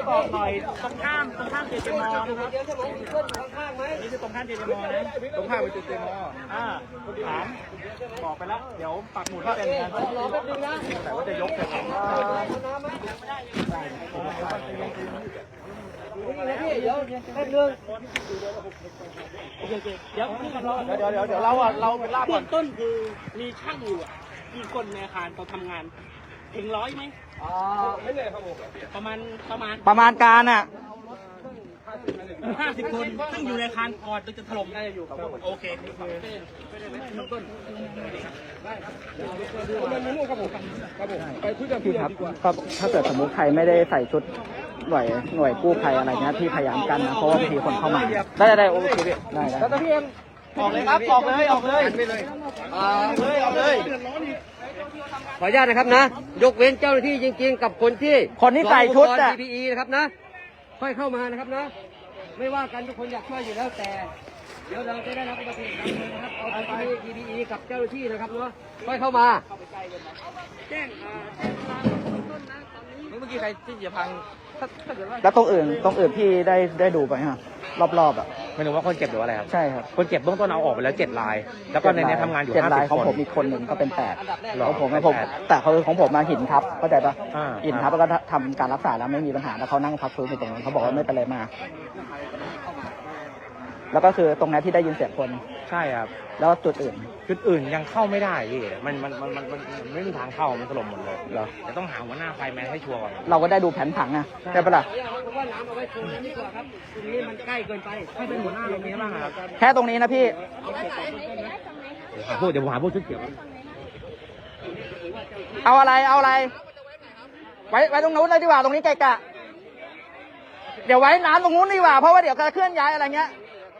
บอกหน่อยตรงข้ามเจเจมอนะครับนี่คือตรงข้ามเจเจมอนะตรงข้ามเจเจมอถามบอกไปแล้วเดี๋ยวปักหมุดให้เป็นนะรอแป๊บนึงนะแต่ว่าจะยกแต่พี่เดี๋ยวแป๊บนึงโอเคเดี๋ยวเราเป็นลาบก่อนต้นคือมีช่างอยู่กี่คนในอาคารเขาทำงานถึง100ไหมไม่เลยครับผมประมาณการอ่ะ50 คนซึ่งอยู่ในอาคารก่อนจะถล่มได้อยู่ครับโอเคต้นไปคุยกันพี่ครับก็ถ้าเกิดสมมติใครไม่ได้ใส่ชุดหน่วยกู้ภัยอะไรเงี้ยที่พยายามกันนะเพราะว่าบางทีคนเข้ามาได้โอเคได้แล้วพี่เอ็มออกเลยครับออกเลยออกเลยขออนุญาตนะครับนะยกเว้นเจ้าหน้าที่จริงๆกับคนที่ใส่ชุด PPE นะครับนะค่อยเข้ามานะครับนะไม่ว่ากันทุกคนอยากช่วยอยู่แล้วแต่เดี๋ยวเราจะได้รับอุบัติเหตุนะครับเอาไป PPE กับเจ้าหน้าที่นะครับเนาะค่อยเข้ามาแจ้งเมื่อกี้ใครที่จะพังแล้วตรงอื่นพี่ได้ดูไปฮะรอบๆอ่ะไม่รู้ว่าคนเจ็บหรืออะไรครับใช่ครับคนเจ็บเบื้องต้นเอาออกไปแล้ว7 รายแล้วก็ในนี้ทำงานอยู่ 50 คนของผมอีกคนหนึ่งก็เป็น8ของผมแต่เขาของผมมาหินทับเข้าใจปะหินทับแล้วก็ทำการรักษาแล้วไม่มีปัญหาแล้วเขานั่งพักฟื้นอยู่ตรงนั้นเขาบอกว่าไม่เป็นไรมากแล้วก็คือตรงนั้นที่ได้ยินเสียงคนใช่ครับแล้วจุดอื่นยังเข้าไม่ได้พี่มันไม่มีทางเข้ามันถล่มหมดเลยเหรอจะต้องหาหัวหน้าไฟแมนให้ชัวร์ก่อนเราก็ได้ดูแผนผังอ่ะใช่ปะล่ะว่าน้ำเอาไว้ตรงนี้ดีกว่าครับตรงนี้มันใกล้เกินไปให้เป็นหัวหน้าตรงนี้บ้างครับแค่ตรงนี้นะพี่เดี๋ยวหาพวกชุดเขียวเอาอะไรไว้ตรงนู้นเลยดีกว่าตรงนี้ไกลกะเดี๋ยวไว้น้ำตรงนู้นดีกว่าเพราะว่าเดี๋ยวจะเคลื่อนย้ายอะไรเงี้ย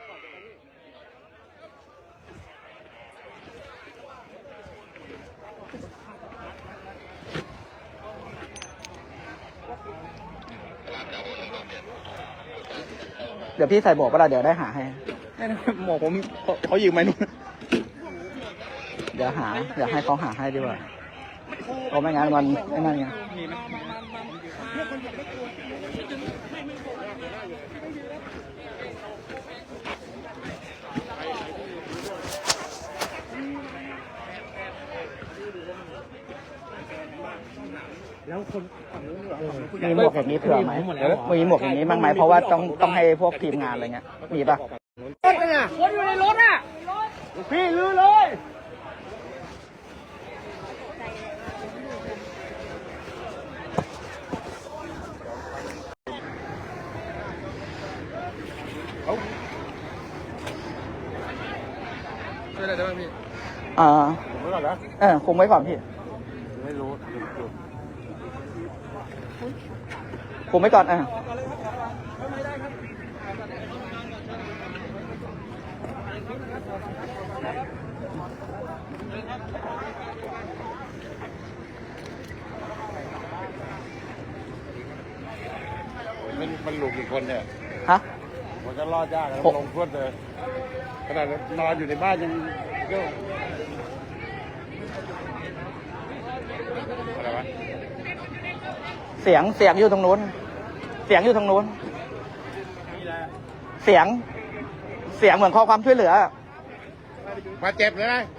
เดี๋ยวพี่ใส่หมวกก็ได้เดี๋ยวได้หาให้หมวกผมเขายืมไหมนู่นเดี๋ยวให้เขาหาให้ดีกว่าเพราะไม่งั้นมันไอ้นั่นไงแล้วคนมีหมวกอย่างนี้เผื่อไหมมีหมวกอย่างนี้บ้างไหมเพราะว่าต้องให้พวกทีมงานอะไรเงี้ยมีป่ะรถน่ะคนอยู่ในรถน่ะพี่ลือเลยช่วยอะไรได้บ้างพี่ผมไว้ก่อนนะคุมไว้ก่อนพี่ไม่รู้คุมไว้ก่อนมันหลุดกี่คนเนี่ยฮะผมจะรอดยากนะลงพรวดเลยขนาดนอนอยู่ในบ้านยังก็อะไรวะเสียงอยู่ตรงนู้นเสียงเหมือนขอความช่วยเหลือมาเจ็บเลยนะ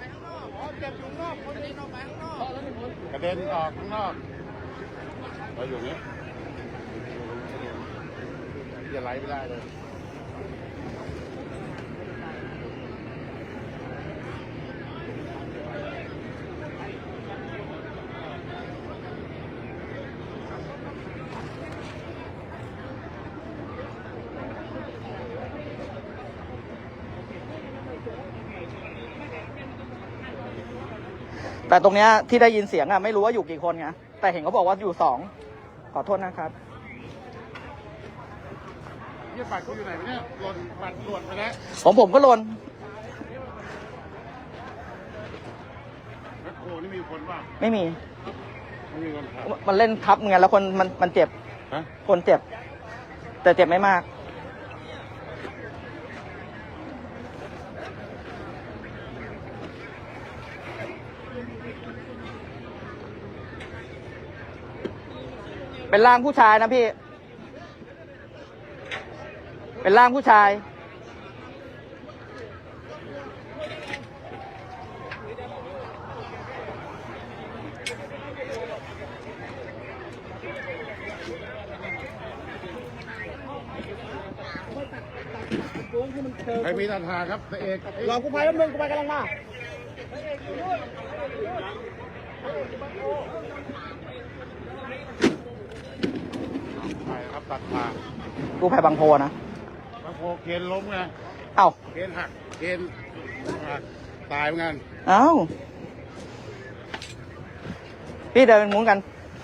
กระเด็นออกข้างนอกเราอยู่นี้จะไล่ไม่ได้เลยแต่ตรงเนี้ยที่ได้ยินเสียงอ่ะไม่รู้ว่าอยู่กี่คนไงแต่เห็นเขาบอกว่าอยู่2ขอโทษนะครับนี่ปัดกูอยู่ไหนเนี่ยหล่นปัดหล่นไปแล้วของผมก็หล่นโอ้นี่มีคนป่ะไม่มีคนมันเล่นทับไงแล้วคนมันเจ็บคนเจ็บแต่เจ็บไม่มากเป็นร่างผู้ชายนะพี่เป็นร่างผู้ชายใครมีตันหาครับพระเอกรอกู้ภัยแป๊บนึงกู้ภัยกำลังมาใช่ครับตัดขากู้ภัยบางโพนะบางโพเคนล้มไงเอ้าเคนหักเคนหักตายเหมือนกันเอ้า พี่เดินเป็นมุ้งกัน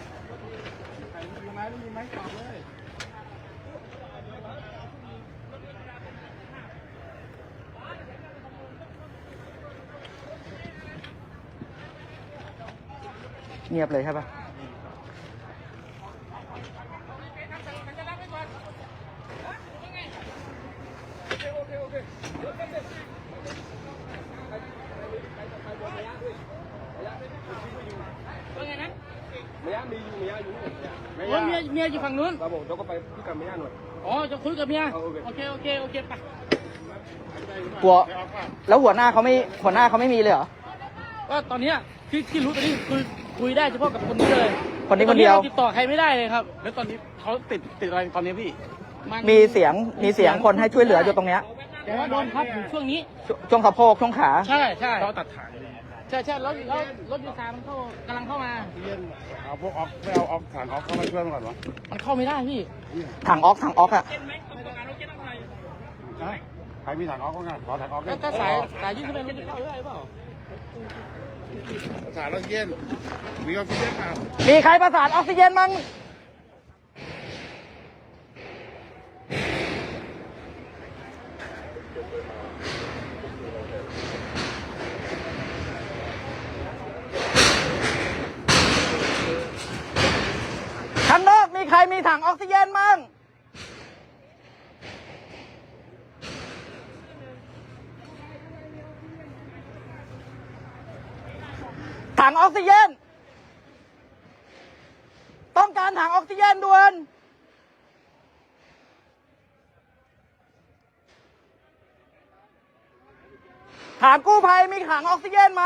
เงียบเลยใช่ปะเมียอยู่ฝั่งนู้นเราบอกเราก็ไปคุยกับเมียหน่อยอ๋อจะคุยกับเมียโอเคไปกลัว แล้วหัวหน้าเขาไม่มีเลยเหรอก็ตอนนี้ที่รู้ตอนนี้คือคุยได้เฉพาะกับคนนี้เลยคนนี้คนเดียวติดต่อใครไม่ได้เลยครับแล้วตอนนี้เขาติดอะไรตอนนี้พี่มีเสียงคนให้ช่วยเหลืออยู่ตรงเนี้ยแต่ว่าโดนพับอยู่ช่วงนี้ช่วงสะโพกช่วงขาใช่เราตัดฐานใช่รถยูซามันกำลังเข้ามาเอาพวกออกไม่เอาออกถังออกเข้ามาช่วยมันก่อนวะมันเข้าไม่ได้พี่ถังออกอะใครมีถังออกก็งานขอถังออกถ้าสายยืดขึ้นไปมันจะเข้าได้เปล่าสารรถเย็นมีออกซิเจนเปล่ามีใครประสานออกซิเจนมั้งข้างนอกมีใครมีถังออกซิเจนมั้งถังออกซิเจนต้องการถังออกซิเจนด่วนถามกู้ภัยมีถังออกซิเจนไหม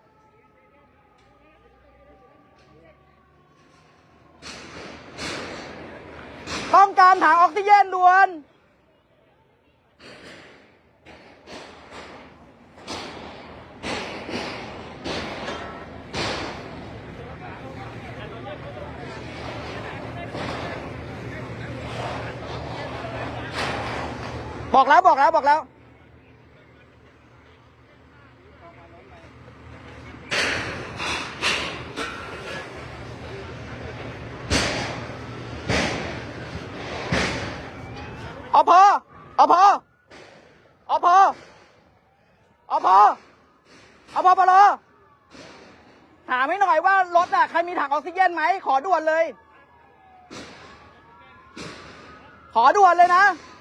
ต้องการถังออกซิเจนด่วนบอกแล้วเอาพอปลอถามให้หน่อยว่ารถอะใครมีถังออกซิเจนไหมขอด่วนเลยนะ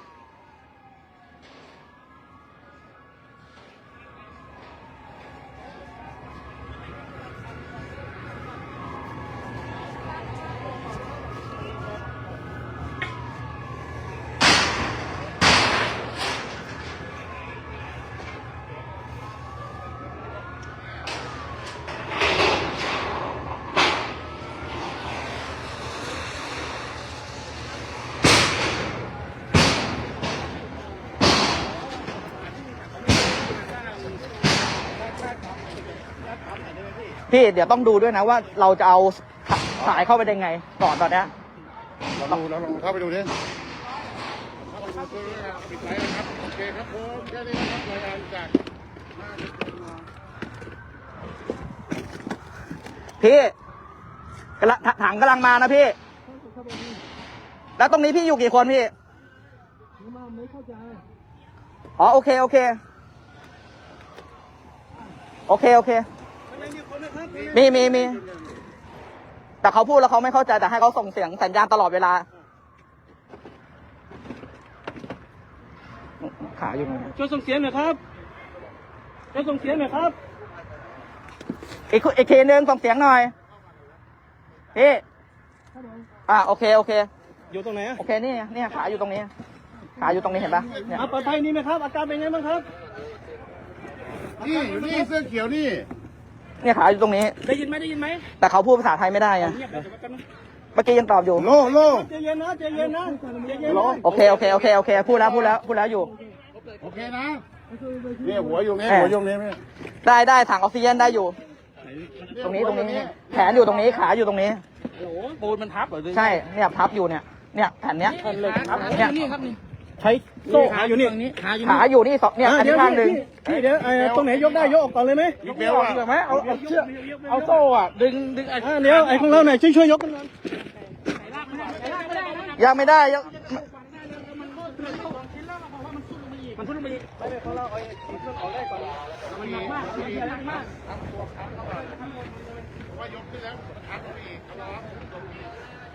พี่เดี๋ยวต้องดูด้วยนะว่าเราจะเอาสายเข้าไปได้ไงก่อนตอนเนี้ยเราลองเข้าไปดูดิปิดไลน์นะครับโอเคครับผมแค่นี้นะครับรายงานจากพี่ถังกำลังมานะพี่ แล้วตรงนี้พี่อยู่กี่คนพี่อ๋อโอเคมีแต่เขาพูดแล้วเขาไม่เข้าใจแต่ให้เขาส่งเสียงสัญญาณตลอดเวลาขาอยู่ไหนช่วยส่งเสียงหน่อยครับอีกทีนึงส่งเสียงหน่อยพี่โอเคอยู่ตรงไหนโอเคนี่ขาอยู่ตรงนี้ขาอยู่ตรงนี้เห็นปะเนี่ยปลอดภัยนี่ไหมครับอาการเป็นไงบ้างครับนี่อยู่นี่เสื้อเขียวนี่เนี่ยขาอยู่ตรงนี้ได้ยินไหมแต่เขาพูดภาษาไทยไม่ได้ไงเงียบเดี๋ยวแป๊บนึงเมื่อกี้ยังตอบอยู่โลโลใจเย็นนะใจเย็นนะใจเย็นโอเคพูดแล้วอยู่โอเคนะเนี่ยหัวอยู่นี่หัวอยู่นี่ไหมได้ถังออกซิเจนได้อยู่ ตรงนี้แขนอยู่ตรงนี้ขาอยู่ตรงนี้โอ้โหปูนมันทับเหรอใช่เนี่ยพับอยู่เนี่ยแผ่นเนี้ยเลยครับเนี่ยนี่ครับนี่ใช้โซ่ขาอยู่นี่ขาอยู่ขาอยู่นี่สองเนี่ยอันนี้ข้างหนึ่งพี่เดี๋ยวตรงไหนยกได้ยกออกก่อนเลยไหมยกเบลอะไหมเอาเชือกเอาโซ่อ่ะดึงเดี๋ยวไอ้ของเราหน่อยช่วยยกกันหน่อยยังไม่ได้ยังมันทุ่นลงไปอีกไปเลยของเราเอาเครื่องออกได้ก่อนมันหนักมากมันหนักมากว่ายกขึ้นแล้วทักไปอีก